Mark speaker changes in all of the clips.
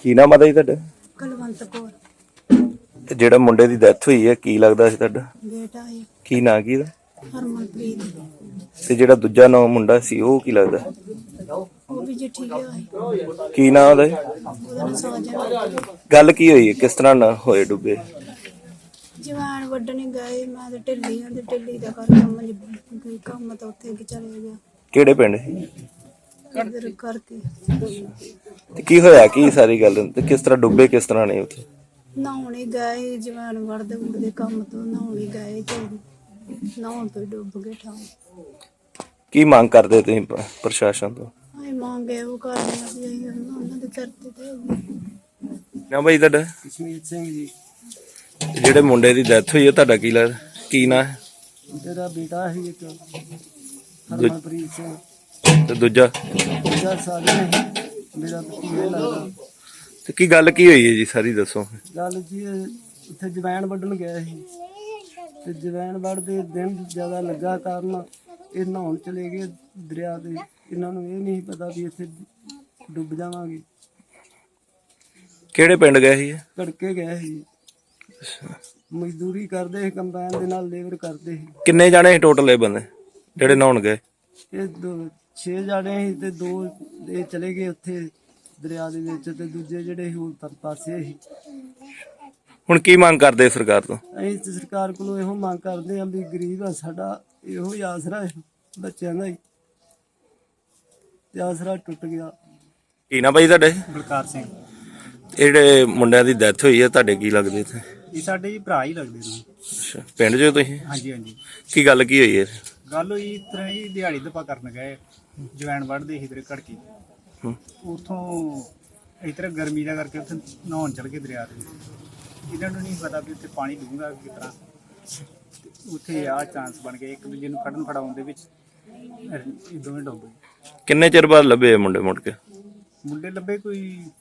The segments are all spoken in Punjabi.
Speaker 1: ਕੀ ਨਾਮ ਆ ਜੀ ਤੁਹਾਡਾ?
Speaker 2: ਕੁਲਵੰਤ ਕੌਰ
Speaker 1: ਤੇ ਜਿਹੜਾ ਮੁੰਡੇ ਦੀ ਡੈਥ ਹੋਈ ਹੈ ਕੀ ਲੱਗਦਾ ਸੀ ਤੁਹਾਡਾ?
Speaker 2: ਬੇਟਾ ਹੈ
Speaker 1: ਕੀ ਨਾਂ ਕੀ ਇਹਦਾ?
Speaker 2: ਹਰਮਨਪ੍ਰੀਤ।
Speaker 1: ਤੇ ਜਿਹੜਾ ਦੂਜਾ ਨਾਂ ਮੁੰਡਾ ਸੀ ਉਹ ਕੀ ਲੱਗਦਾ?
Speaker 2: ਉਹ ਵੀ ਜੀ ਠੀਕ ਹੈ।
Speaker 1: ਕੀ ਨਾਂ ਉਹਦਾ?
Speaker 2: ਉਹਦਾ ਨਾਂ ਸਾਜਨ।
Speaker 1: ਗੱਲ ਕੀ ਹੋਈ ਹੈ, ਕਿਸ ਤਰ੍ਹਾਂ ਨਾ ਹੋਏ ਡੁੱਬੇ?
Speaker 2: ਜਵਾਨ ਵੱਢਣ ਗਏ, ਮੈਂ ਤੇ ਢਿੱਲੀ ਹਾਂ ਤੇ ਢਿੱਲੀ ਦਾ ਕਰਕੇ ਕੰਮ ਤਾਂ ਉੱਥੇ ਕਿ ਚਲੇ ਗਿਆ
Speaker 1: ਕਿਹੜੇ ਪਿੰਡ?
Speaker 2: ਇੱਧਰ ਕਰਕੇ।
Speaker 1: ਤੇ ਕੀ ਹੋਇਆ ਕੀ ਸਾਰੀ ਗੱਲ, ਤੇ ਕਿਸ ਤਰ੍ਹਾਂ ਡੁੱਬੇ, ਕਿਸ ਤਰ੍ਹਾਂ ਨੇ ਉੱਥੇ?
Speaker 2: ਨਹਾਉਣੇ ਗਏ, ਜਵਾਨ ਵੜਦੇ ਕੰਮ ਤੋਂ ਨਹਾਉਣੇ ਗਏ ਤੇ ਨਹਾਉਣ ਤੋਂ ਹੀ ਡੁੱਬ ਗਏ ਠਾਂ।
Speaker 1: ਕੀ ਮੰਗ ਕਰਦੇ ਤੁਸੀਂ ਪ੍ਰਸ਼ਾਸਨ ਤੋਂ?
Speaker 2: ਅਸੀਂ ਮੰਗੇ ਉਹ ਕਰਦੇ ਆ ਵੀ ਅਸੀਂ ਉਹਨਾਂ ਦੇ ਚਰਤੇ ਤੇ
Speaker 1: ਨਾ ਬਾਈ ਤੁਹਾਡਾ?
Speaker 3: ਕਸ਼ਮੀਰ ਸਿੰਘ ਜੀ।
Speaker 1: ਤੇ ਜਿਹੜੇ ਮੁੰਡੇ ਦੀ ਡੈਥ ਹੋਈ ਹੈ ਤੁਹਾਡਾ ਕੀ ਲੱਗਦਾ, ਕੀ ਨਾਂ ਹੈ?
Speaker 3: ਮੇਰਾ ਬੇਟਾ ਸੀ ਇੱਕ ਹਰਮਨਪ੍ਰੀਤ ਸਿੰਘ,
Speaker 1: ਤੇ ਦੂਜਾ?
Speaker 3: ਦੂਜਾ ਸਾਜਨ ਹੈ ਮੇਰਾ ਭਤੀਜਾ ਲੱਗਦਾ।
Speaker 1: ਤੇ ਕੀ ਗੱਲ ਕੀ ਹੋਈ ਹੈ ਜੀ, ਸਾਰੀ ਦੱਸੋ।
Speaker 3: ਗੱਲ ਜੀ ਉੱਥੇ ਜਵੈਣ ਵੱਢਣ ਗਏ ਸੀ ਤੇ ਜਵੈਣ ਵੱਢਦੇ ਦਿਨ ਜ਼ਿਆਦਾ ਲੱਗਾ ਕਾਰਨ ਇਹ ਨਹਾਉਣ ਚਲੇ ਗਏ ਦਰਿਆ ਤੇ। ਇਹਨਾਂ ਨੂੰ ਇਹ ਨਹੀਂ ਪਤਾ ਵੀ ਇੱਥੇ ਡੁੱਬ ਜਾਵਾਂਗੇ।
Speaker 1: ਕਿਹੜੇ ਪਿੰਡ ਗਏ ਸੀ?
Speaker 3: ਘੜਕੇ ਗਏ ਸੀ, ਮਜ਼ਦੂਰੀ ਕਰਦੇ ਸੀ, ਕੰਬਾਈਨ ਦੇ ਨਾਲ ਲੇਬਰ ਕਰਦੇ ਸੀ।
Speaker 1: ਕਿੰਨੇ ਜਾਣੇ ਸੀ ਟੋਟਲ ਇਹ ਬੰਦੇ ਜਿਹੜੇ ਨਹਾਉਣ ਗਏ?
Speaker 3: ਇਹ 6 ਜਾਣੇ ਸੀ ਤੇ 2 ਇਹ ਚਲੇ ਗਏ ਉੱਥੇ ਦਰਿਆ ਦੇ ਵਿੱਚ ਤੇ ਦੂਜੇ ਜਿਹੜੇ ਸੀ ਉਹ ਪਾਸੇ ਸੀ।
Speaker 1: ਹੁਣ ਕੀ ਮੰਗ ਕਰਦੇ ਸਰਕਾਰ ਤੋਂ?
Speaker 3: ਅਸੀਂ ਤੇ ਸਰਕਾਰ ਕੋਲੋਂ ਇਹੋ ਮੰਗ ਕਰਦੇ ਹਾਂ ਵੀ ਗਰੀਬ ਆ, ਸਾਡਾ ਇਹੋ ਹੀ ਆਸਰਾ ਹੈ ਬੱਚਿਆਂ ਦਾ ਹੀ, ਤੇ ਆਸਰਾ ਟੁੱਟ ਗਿਆ।
Speaker 1: ਕੀ ਨਾ ਬਾਈ ਤੁਹਾਡੇ?
Speaker 4: ਬਲਕਾਰ ਸਿੰਘ।
Speaker 1: ਜਿਹੜੇ ਮੁੰਡਿਆਂ ਦੀ ਡੈਥ ਹੋਈ ਹੈ ਤੁਹਾਡੇ ਕੀ ਲੱਗਦੇ ਇੱਥੇ?
Speaker 4: ਇਹ ਸਾਡੇ ਜੀ ਭਰਾ ਹੀ ਲੱਗਦੇ ਨੇ।
Speaker 1: ਅੱਛਾ, ਪਿੰਡ 'ਚੋਂ ਤੁਸੀਂ?
Speaker 4: ਹਾਂਜੀ ਹਾਂਜੀ।
Speaker 1: ਕੀ ਗੱਲ ਕੀ ਹੋਈ ਹੈ?
Speaker 4: ਗੱਲ ਹੋਈ ਇਸ ਤਰ੍ਹਾਂ ਹੀ, ਦਿਹਾੜੀ ਦਪਾ ਕਰਨ ਗਏ, ਜਵੈਣ ਵੱਢਦੇ ਸੀ ਇਧਰ ਘੜਕੀ। ਉੱਥੋਂ ਇਸ ਤਰ੍ਹਾਂ ਗਰਮੀ ਦਾ ਕਰਕੇ ਉੱਥੇ ਨਹਾਉਣ ਚਲ ਗਏ ਦਰਿਆ ਦੇ। ਇਹਨਾਂ ਨੂੰ ਨਹੀਂ ਪਤਾ ਵੀ ਉੱਥੇ ਪਾਣੀ ਡੂੰਘਾ ਕਿਸ ਤਰ੍ਹਾਂ। ਉੱਥੇ ਆਹ ਚਾਂਸ ਬਣ ਗਏ, ਇੱਕ ਦੂਜੇ ਨੂੰ ਕੱਢਣ ਫੜਾਉਣ ਦੇ ਵਿੱਚ ਇਹ ਦੋਵੇਂ ਡੁੱਬ ਗਏ।
Speaker 1: ਕਿੰਨੇ ਚਿਰ ਬਾਅਦ ਲੱਭੇ ਇਹ ਮੁੰਡੇ ਮੁੜ ਕੇ?
Speaker 4: ਮੁੰਡੇ ਲੱਭੇ ਕੋਈ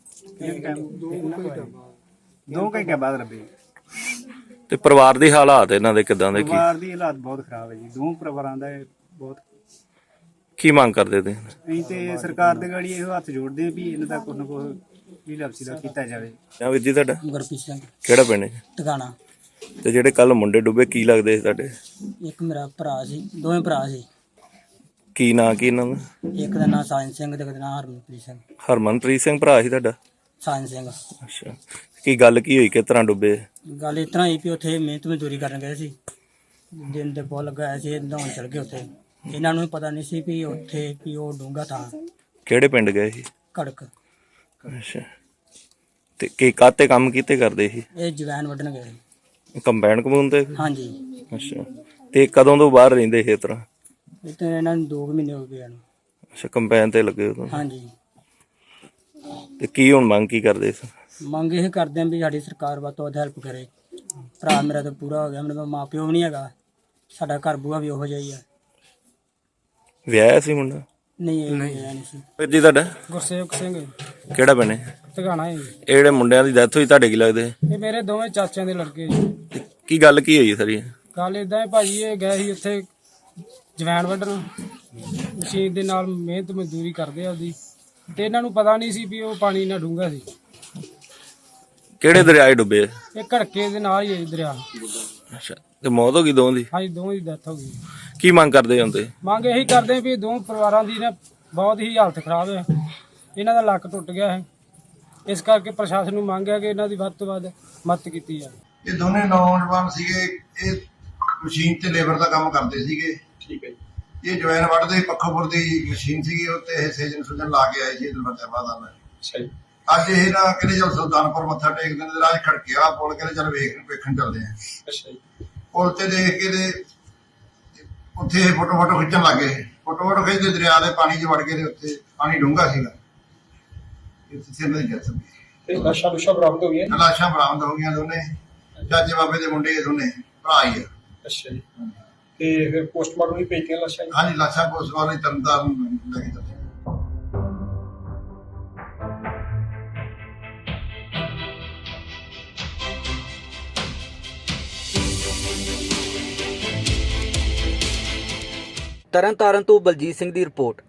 Speaker 4: 2 ਘੰਟੇ ਬਾਅਦ ਲੱਭੇ।
Speaker 1: ਤੇ ਪਰਿਵਾਰ ਦੀ ਹਾਲਾਤ ਇਹਨਾਂ ਦੇ ਕਿਦਾਂ ਦੇ?
Speaker 4: ਪਰਿਵਾਰ ਦੀ ਹਾਲਾਤ ਬਹੁਤ ਖਰਾਬ ਹੈ ਜੀ, 2 ਪਰਿਵਾਰਾਂ ਦਾ ਬਹੁਤ।
Speaker 1: ਕੀ ਮੰਗ ਕਰਦੇ ਤੁਸੀਂ?
Speaker 4: ਅਸੀਂ ਤੇ ਸਰਕਾਰ ਦੇ ਗਾੜੀ ਇਹੋ ਹੱਥ ਜੋੜਦੇ ਵੀ ਇਹਨਾਂ ਦਾ ਕੁਛ ਨਾ ਕੁਛ ਵੀ ਲਪਸੀ ਦਾ ਕੀਤਾ ਜਾਵੇ।
Speaker 1: ਨਾ ਵੀਰ ਜੀ ਤੁਹਾਡਾ?
Speaker 3: ਗੁਰਪ੍ਰੀਤ ਸਿੰਘ
Speaker 1: ਕਿਹੜਾ ਪਿੰਡ ਹੈ?
Speaker 3: ਟਿਕਾਣਾ।
Speaker 1: ਤੇ ਜਿਹੜੇ ਕੱਲ ਮੁੰਡੇ ਡੁੱਬੇ ਕੀ ਲੱਗਦੇ ਸੀ ਤੁਹਾਡੇ?
Speaker 3: ਇੱਕ ਮੇਰਾ ਭਰਾ ਸੀ, ਦੋਵੇਂ ਭਰਾ ਸੀ।
Speaker 1: ਕੀ ਨਾਂ ਕੀ ਇਹਨਾਂ ਦਾ?
Speaker 3: ਇੱਕ ਦਾ ਨਾਂ ਸਾਜਨ ਸਿੰਘ ਤੇ ਇੱਕ ਦਾ ਨਾਂ ਹਰਮਨਪ੍ਰੀਤ ਸਿੰਘ।
Speaker 1: ਹਰਮਨਪ੍ਰੀਤ ਸਿੰਘ ਭਰਾ ਸੀ ਤੁਹਾਡਾ?
Speaker 3: ਸਾਜਨ ਸਿੰਘ।
Speaker 1: ਅੱਛਾ, ਕੀ ਗੱਲ ਕੀ ਹੋਈ, ਕਿਸ ਤਰ੍ਹਾਂ ਡੁੱਬੇ?
Speaker 3: ਗੱਲ ਇਸ ਤਰ੍ਹਾਂ ਹੀ ਵੀ ਉੱਥੇ ਮਿਹਨਤ ਮਜ਼ਦੂਰੀ ਕਰਨ ਗਏ ਸੀ, ਦਿਨ ਦੇ ਬਹੁਤ ਲੱਗਾ ਹੋਇਆ ਸੀ, ਨਹਾਉਣ ਚਲ ਗਏ ਉੱਥੇ। ਇਹਨਾਂ ਨੂੰ ਪਤਾ ਨਹੀਂ ਸੀ ਵੀ ਉੱਥੇ ਵੀ ਉਹ ਡੂੰਘਾ ਥਾਂ।
Speaker 1: ਕਿਹੜੇ ਪਿੰਡ ਗਏ ਸੀ?
Speaker 3: ਘੜਕ।
Speaker 1: ਅੱਛਾ, ਤੇ ਕੀ ਕਾਤੇ ਕੰਮ ਕੀਤੇ ਕਰਦੇ ਸੀ?
Speaker 3: ਇਹ ਜਵੈਣ ਵੱਢਣ ਗਏ।
Speaker 1: ਕੰਬਾਈਨ ਕਮੂਨ ਤੇ?
Speaker 3: ਹਾਂਜੀ।
Speaker 1: ਅੱਛਾ, ਤੇ ਕਦੋਂ ਤੋਂ ਬਾਹਰ ਰਹਿੰਦੇ ਸੀ ਇਸ ਤਰ੍ਹਾਂ?
Speaker 3: ਇਹ ਤਾਂ ਇਹਨਾਂ ਨੂੰ 2 ਮਹੀਨੇ ਹੋ ਗਏ ਇਹਨੂੰ।
Speaker 1: ਅੱਛਾ, ਕੰਬਾਈਨ ਤੇ ਲੱਗੇ ਉਦੋਂ?
Speaker 3: ਹਾਂਜੀ।
Speaker 1: ਤੇ ਕੀ ਹੁਣ ਮੰਗ ਕੀ ਕਰਦੇ ਸੀ?
Speaker 3: ਮੰਗ ਇਹ ਕਰਦੇ ਹਾਂ ਵੀ ਸਾਡੀ ਸਰਕਾਰ ਵੱਧ ਤੋਂ ਵੱਧ ਹੈਲਪ ਕਰੇ। ਭਰਾ ਮੇਰਾ ਤਾਂ ਪੂਰਾ ਹੋ ਗਿਆ, ਮੇਰੇ ਮਾਂ ਪਿਓ ਵੀ ਨਹੀਂ ਹੈਗਾ, ਸਾਡਾ ਘਰ ਬੂਆ ਵੀ ਉਹੋ ਜਿਹਾ ਹੀ ਆ।
Speaker 1: ਵਿਆਹਿਆ ਸੀ ਮੁੰਡਾ?
Speaker 3: ਨਹੀਂ ਇਹ ਨਹੀਂ ਸੀ।
Speaker 1: ਵੀਰ ਜੀ ਤੁਹਾਡਾ?
Speaker 3: ਗੁਰਸੇਵਕ ਸਿੰਘ।
Speaker 1: ਕਿਹੜਾ ਪਿੰਡ ਹੈ?
Speaker 3: ਟਿਕਾਣਾ ਹੈ।
Speaker 1: ਇਹ ਜਿਹੜੇ ਮੁੰਡਿਆਂ ਦੀ ਡੈਥ ਹੋਈ ਤੁਹਾਡੇ ਕੀ ਲੱਗਦੇ?
Speaker 3: ਇਹ ਮੇਰੇ ਦੋਵੇਂ ਚਾਚਿਆਂ ਦੇ ਲੜਕੇ ਜੀ।
Speaker 1: ਤੇ ਕੀ ਗੱਲ ਕੀ ਹੋਈ ਸਾਰੀ?
Speaker 3: ਗੱਲ ਇਦਾਂ ਹੈ ਭਾਜੀ, ਇਹ ਗਏ ਸੀ ਉੱਥੇ ਜਵੈਣ ਵੱਢਣ, ਮਸ਼ੀਨ ਦੇ ਨਾਲ ਮਿਹਨਤ ਮਜ਼ਦੂਰੀ ਕਰਦੇ ਆ ਉਹਦੀ, ਤੇ ਇਹਨਾਂ ਨੂੰ ਪਤਾ ਨਹੀਂ ਸੀ ਵੀ ਉਹ ਪਾਣੀ ਇੰਨਾ ਡੂੰਘਾ ਸੀ।
Speaker 1: ਕਿਹੜੇ ਦਰਿਆ 'ਚ ਡੁੱਬੇ?
Speaker 3: ਇਹ ਘੜਕੇ ਦੇ ਨਾਲ ਹੀ ਹੈ ਜੀ ਦਰਿਆ।
Speaker 1: ਅੱਛਾ, ਤੇ ਮੌਤ ਹੋ ਗਈ ਦੋਵਾਂ ਦੀ?
Speaker 3: ਹਾਂਜੀ, ਦੋਵਾਂ ਦੀ ਡੈਥ ਹੋ ਗਈ।
Speaker 1: ਕੀ ਮੰਗ ਕਰਦੇ ਹੁੰਦੇ?
Speaker 3: ਮੰਗ ਇਹੀ ਕਰਦੇ ਵੀ 2 ਪਰਿਵਾਰਾਂ ਦੀ ਨਾ ਬਹੁਤ ਹੀ ਹਾਲਤ ਖਰਾਬ ਹੈ, ਇਹਨਾਂ ਦਾ ਲੱਕ ਟੁੱਟ ਗਿਆ ਹੈ। ਇਸ ਕਰਕੇ ਪ੍ਰਸ਼ਾਸਨ ਨੂੰ ਮੰਗ ਹੈ ਕਿ ਇਹਨਾਂ ਦੀ ਵੱਧ ਤੋਂ ਵੱਧ ਮਦਦ ਕੀਤੀ ਜਾਵੇ।
Speaker 5: ਇਹ ਦੋਨੇ ਨੌਜਵਾਨ ਸੀਗੇ, ਇਹ ਮਸ਼ੀਨ ਤੇ ਲੇਬਰ ਦਾ ਕੰਮ ਕਰਦੇ ਸੀਗੇ।
Speaker 4: ਠੀਕ ਹੈ ਜੀ।
Speaker 5: ਇਹ ਜਵੈਣ ਵੱਢਦੇ ਪੱਖੋਪੁਰ ਦੀ ਮਸ਼ੀਨ ਸੀਗੀ, ਉੱਤੇ ਇਹ ਸੇਜਨ ਸੁਜਨ ਲਾ ਕੇ ਆਏ ਸੀ ਫਤਿਆਬਾਦ ਆ।
Speaker 4: ਅੱਛਾ ਜੀ।
Speaker 5: ਅੱਜ ਇਹ ਨਾ ਕਹਿੰਦੇ ਚਲ ਸੁਲਤਾਨਪੁਰ ਮੱਥਾ ਟੇਕਦੇ ਨੇ, ਰਾਜ ਖੜਕਿਆ ਪੁੱਲ, ਕਹਿੰਦੇ ਚੱਲ ਵੇਖਣ ਚੱਲਦੇ ਆ।
Speaker 4: ਅੱਛਾ ਜੀ।
Speaker 5: ਪੁੱਲ ਤੇ ਦੇਖ ਕੇ ਤੇ ਉੱਥੇ ਇਹ ਫੋਟੋ ਖਿੱਚਣ ਲੱਗੇ। ਫੋਟੋ ਖਿੱਚਦੇ ਦਰਿਆ ਦੇ ਪਾਣੀ 'ਚ ਵੜ ਕੇ ਤੇ ਉੱਥੇ ਪਾਣੀ ਡੂੰਘਾ ਸੀਗਾ। ਇੱਥੇ ਇਹਨਾਂ ਦੀ ਡੈਥ ਹੋ ਗਈ।
Speaker 4: ਤੇ ਲਾਸ਼ਾਂ ਬਰਾਮਦ ਹੋ ਗਈਆਂ?
Speaker 5: ਲਾਸ਼ਾਂ ਬਰਾਮਦ ਹੋ ਗਈਆਂ, ਦੋਨੇ ਚਾਚੇ ਬਾਬੇ ਦੇ ਮੁੰਡੇ, ਦੋਨੇ ਭਰਾ ਹੀ ਆ।
Speaker 4: ਅੱਛਾ ਜੀ। ਤੇ ਫਿਰ ਪੋਸਟਮਾਰਟਮ ਵੀ ਭੇਜੀਆਂ ਲਾਸ਼ਾਂ?
Speaker 5: ਹਾਂਜੀ, ਲਾਸ਼ਾਂ ਪੋਸਟਮਾਰਟਮ ਤਰਨਤਾਰਨ ਲੈ ਕੇ ਚੱਲੇ।
Speaker 6: ਤਰਨਤਾਰਨ ਤੋਂ ਬਲਜੀਤ ਸਿੰਘ ਦੀ ਰਿਪੋਰਟ।